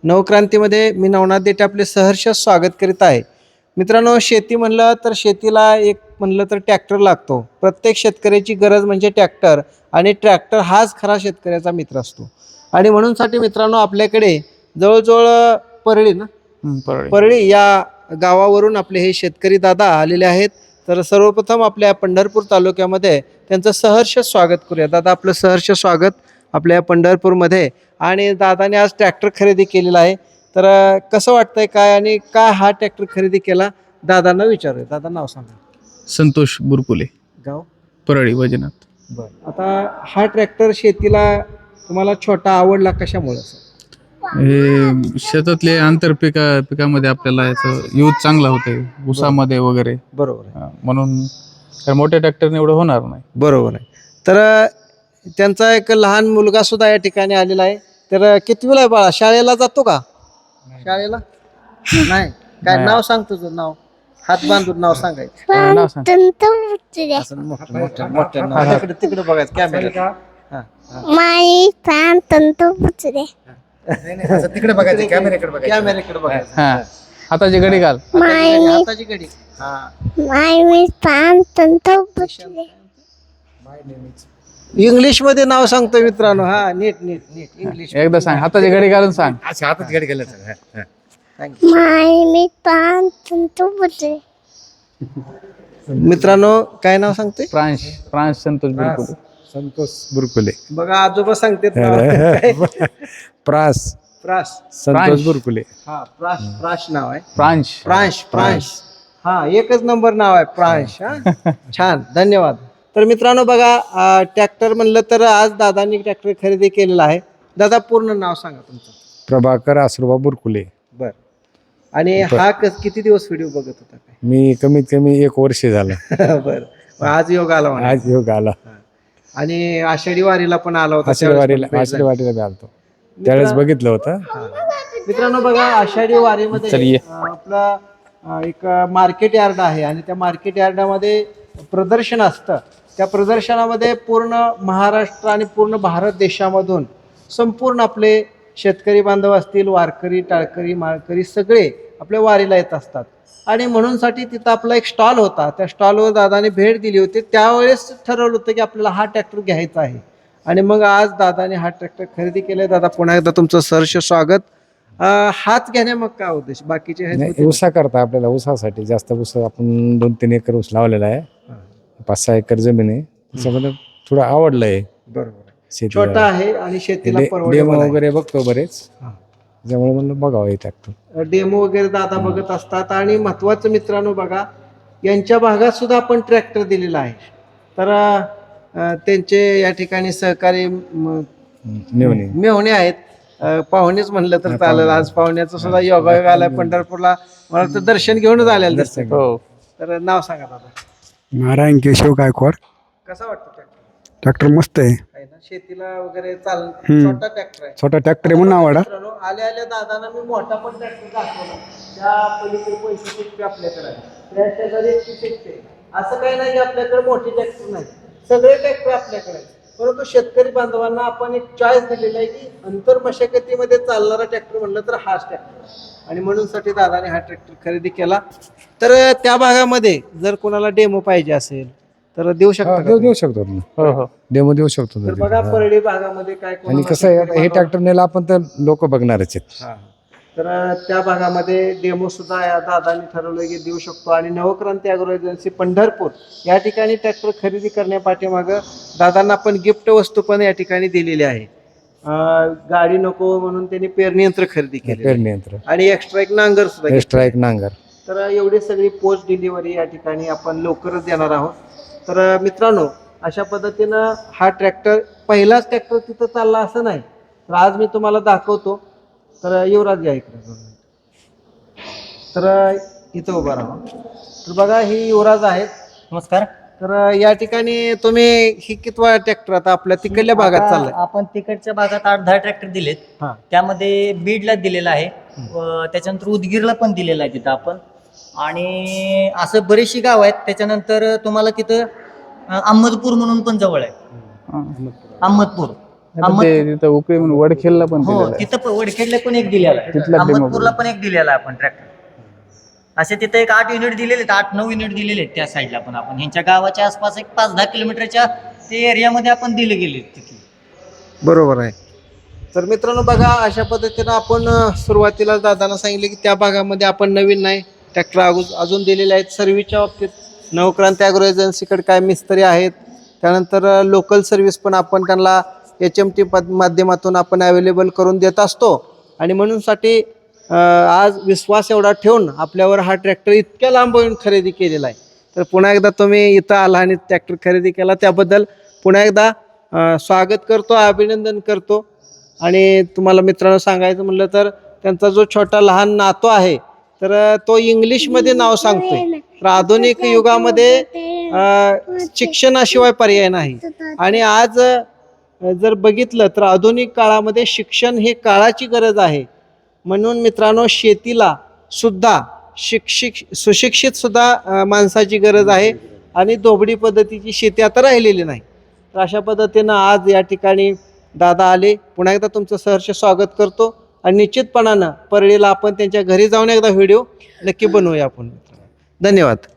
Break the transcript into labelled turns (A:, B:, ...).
A: नवक्रांतीमध्ये मी नवनाथ देठे आपले सहर्ष स्वागत करीत आहे. मित्रांनो, शेती म्हणलं तर शेतीला एक म्हणलं तर ट्रॅक्टर लागतो. प्रत्येक शेतकऱ्याची गरज म्हणजे ट्रॅक्टर आणि ट्रॅक्टर हाच खरा शेतकऱ्याचा मित्र असतो. आणि म्हणूनसाठी मित्रांनो आपल्याकडे जवळजवळ परळी ना परळी या गावावरून आपले हे शेतकरी दादा आलेले आहेत. तर सर्वप्रथम आपल्या पंढरपूर तालुक्यामध्ये त्यांचं सहर्ष स्वागत करूया. दादा, आपलं सहर्ष स्वागत आपल्या पंढरपूरमध्ये. आणि दादाने आज ट्रॅक्टर खरेदी केलेला आहे. तर कसं वाटतंय काय आणि काय हा ट्रॅक्टर खरेदी केला दादांना विचारूया. दादा, नाव सांगा.
B: संतोष बुरकुले,
A: गाव
B: परळी वैजनाथ.
A: बरं. आता हा ट्रॅक्टर शेतीला तुम्हाला छोटा आवडला कशामुळे?
B: हे शेतातले आंतर पिकामध्ये आपल्याला याचं यूज चांगला होते, ऊसामध्ये वगैरे.
A: बरोबर आहे.
B: म्हणून तर मोठ्या ट्रॅक्टरने एवढं होणार नाही.
A: बरोबर आहे. तर त्यांचा एक लहान मुलगा सुद्धा या ठिकाणी आलेला आहे. तर कितवीला आहे बाळा? शाळेला जातो का? शाळेला नाही. काय नाव सांग तुझं? नाव हात बांधून नाव सांगायचं.
B: नाव सांग.
A: असं मोठं मोठं नाव. तिकडे बघायचं कॅमेरा.
C: तिकडे बघायचं, कॅमेऱ्याकडे बघायचं.
A: कॅमेऱ्याकडे बघायचं.
B: हा, हाताची घडी घाल.
A: हाताची घडी. इंग्लिश मध्ये नाव सांगतो मित्रांनो. हा, नीट नीट नीट इंग्लिश
B: एकदा सांग, हाताची घडी घालून सांग.
C: अच्छा, हातात गाडी घालायचं.
A: मित्रांनो, काय नाव सांगतोय?
B: प्रांश संतोष बुरकुले.
C: संतोष बुरकुले.
A: बघा, आजोबा सांगतात.
C: प्रास
A: प्राश.
C: संतोष बुरकुले.
A: हा, प्राश. प्राश नाव आहे.
B: प्रांश.
A: प्रांश. प्रांश. हा, एकच नंबर नाव आहे प्रांश. हा, छान, धन्यवाद. तर मित्रांनो बघा, ट्रॅक्टर म्हणलं तर आज दादांनी ट्रॅक्टर खरेदी केलेला आहे. दादा, पूर्ण नाव सांगा तुमचं.
C: प्रभाकर आसुरबा बुरकुले.
A: बर. आणि हा किती दिवस व्हिडिओ बघत होता काय?
C: मी कमीत कमी 1 वर्ष झालं.
A: बर. आज योग आला म्हणा.
C: आज योग आला.
A: आणि आषाढी वारीला पण आला होता.
C: आषाढीवारीला बी आलतो, त्यावेळेस बघितलं होतं.
A: मित्रांनो बघा, आषाढी वारीमध्ये आपला एक मार्केट यार्ड आहे आणि त्या मार्केट यार्डामध्ये प्रदर्शन असतं. त्या प्रदर्शनामध्ये पूर्ण महाराष्ट्र आणि पूर्ण भारत देशामधून संपूर्ण आपले शेतकरी बांधव असतील, वारकरी, टाळकरी, माळकरी सगळे आपल्या वारीला येत असतात. आणि म्हणूनसाठी तिथं आपला एक स्टॉल होता. त्या स्टॉलवर दादाने भेट दिली होती. त्यावेळेस ठरवलं होतं की आपल्याला हा ट्रॅक्टर घ्यायचा आहे. आणि मग आज दादाने हा ट्रॅक्टर खरेदी केलाय. दादा, पुन्हा एकदा तुमचं सहर्ष स्वागत. हाच घेण्या मग काय उद्देश? बाकीचे
C: ऊसा करता आपल्याला, ऊसासाठी जास्त ऊस आपण 2-3 एकर ऊस लावलेला आहे. 5-6 एकर जमीन आहे. त्याच्यामध्ये थोडं आवडलंय.
A: बरोबर. छोटा आहे आणि शेतीला
C: डेमो वगैरे बघतो बरेच, त्यामुळे म्हणलं बघावं हे ट्रॅक्टर.
A: डेमो वगैरे दादा बघत असतात. आणि महत्वाचं मित्रांनो बघा, यांच्या भागात सुद्धा आपण ट्रॅक्टर दिलेला आहे. तर त्यांचे या ठिकाणी सहकारी मेहणे आहेत. पाहुणेच म्हणलं तर चालेल. आज पाहुण्याचं सुद्धा योगायोग आलाय पंढरपूरला. मला तर दर्शन घेऊनच आलेलं दिसतं.
B: हो.
A: तर नाव सांगा दादा.
D: नारायण केशव गायकवाड.
A: कसा वाटतं ट्रॅक्टर?
D: ट्रॅक्टर मस्त आहे.
A: ना, शेतीला वगैरे छोटा ट्रॅक्टर आहे.
D: छोटा ट्रॅक्टर आहे म्हणून आवडा.
A: आल्या आल्या दादांना मी मोठा पण ट्रॅक्टर दाखवला. त्या पलीकडे पैसे शिकते आपल्याकडे आहे. त्या शेजारी शिकते. असं काही नाही की आपल्याकडे मोठी ट्रॅक्टर नाही. सगळे ट्रॅक्टर आपल्याकडे आहेत. परंतु शेतकरी बांधवांना आपण एक चॉईस दिलेला आहे की अंतर मशागतीमध्ये चालणारा ट्रॅक्टर म्हणलं तर हाच ट्रॅक्टर. आणि म्हणूनसाठी दादाने हा ट्रॅक्टर खरेदी केला. तर त्या भागामध्ये जर कोणाला डेमो पाहिजे असेल तर देऊ शकतो.
C: देऊ शकतो डेमो देऊ शकतो.
A: तर बघा, परळी भागामध्ये काय
C: आणि कसं आहे, हे ट्रॅक्टर नेला आपण तर लोक बघणारच आहेत.
A: तर त्या भागामध्ये डेमो सुद्धा या दादांनी ठरवलं की देऊ शकतो. आणि नवक्रांती ॲग्रो एजन्सी पंढरपूर या ठिकाणी ट्रॅक्टर खरेदी करण्यापाठीमागं दादांना आपण गिफ्ट वस्तू पण या ठिकाणी दिलेली आहे. गाडी नको म्हणून त्यांनी पेरणी यंत्र खरेदी केले.
C: पेरणी यंत्र
A: आणि एक्स्ट्रा एक नांगर सुद्धा.
C: एक्स्ट्रा एक नांगर.
A: तर एवढी सगळी पोस्ट डिलिव्हरी या ठिकाणी आपण लवकरच देणार आहोत. तर मित्रांनो, अशा पद्धतीनं हा ट्रॅक्टर पहिलाच ट्रॅक्टर तिथं चालला असं नाही. तर आज मी तुम्हाला दाखवतो. तर युवराज या इकडे. तर इथं उभा राहा. तर बघा, ही युवराज आहेत.
E: नमस्कार.
A: तर या ठिकाणी तुम्ही ही कितवा ट्रॅक्टर आता आपल्या तिकडल्या भागात चाललाय?
E: आपण तिकडच्या भागात 8-10 ट्रॅक्टर दिलेत. त्यामध्ये बीडला दिलेला आहे, त्याच्यानंतर उदगीरला पण दिलेला आहे तिथं आपण. आणि असं बरेचशी गाव आहेत. त्याच्यानंतर तुम्हाला तिथं अहमदपूर म्हणून पण जवळ आहे. अहमदपूर
B: आता ते तिथं उकळी म्हणून वडखेलला पण
E: हो
B: दिलेलं आहे.
E: तिथं वडखेडला पण एक दिलेला आहे,
B: तिथला demo
E: अहमदपूरला पण एक दिलेला आहे आपण ट्रॅक्टर. असे तिथे एक 8 युनिट दिलेले आहेत, 8-9 युनिट दिलेले आहेत त्या साईडला पण आपण. ह्यांच्या गावाच्या आसपास एक 5-10 किलोमीटरच्या ते एरियामध्ये आपण दिले गेले तिथे.
A: बरोबर आहे. तर मित्रांनो बघा, अशा पद्धतीनं आपण सुरुवातीला दादांना सांगितले की त्या भागामध्ये आपण नवीन नाही ट्रॅक्टर अजून दिलेले आहेत. सर्व्हिसच्या बाबतीत नवक्रांती ॲग्रो एजन्सीकडे काय मिस्त्री आहेत, त्यानंतर लोकल सर्व्हिस पण आपण त्यांना HMT माध्यमातून आपण अवेलेबल करून देत असतो. आणि म्हणूनसाठी आज विश्वास एवढा ठेवून आपल्यावर हा ट्रॅक्टर इतक्या लांब येऊन खरेदी केलेला आहे. तर पुन्हा एकदा तुम्ही इथं आला आणि ट्रॅक्टर खरेदी केला त्याबद्दल पुन्हा एकदा स्वागत करतो, अभिनंदन करतो. आणि तुम्हाला मित्रांनो सांगायचं म्हटलं तर त्यांचा जो छोटा लहान नातू आहे तर तो इंग्लिशमध्ये नाव सांगतोय. तर आधुनिक युगामध्ये शिक्षणाशिवाय पर्याय नाही. आणि आज जर बघितलं तर आधुनिक काळामध्ये शिक्षण हे काळाची गरज आहे. म्हणून मित्रांनो शेतीला सुद्धा सुशिक्षित सुद्धा माणसाची गरज आहे. आणि दोबडी पद्धतीची शेती आता राहिलेली नाही. तर अशा पद्धतीनं आज या ठिकाणी दादा आले. पुन्हा एकदा तुमचं सहर्ष स्वागत करतो. आणि निश्चितपणानं परळीला आपण त्यांच्या घरी जाऊन एकदा व्हिडिओ नक्की बनवूया आपण. धन्यवाद.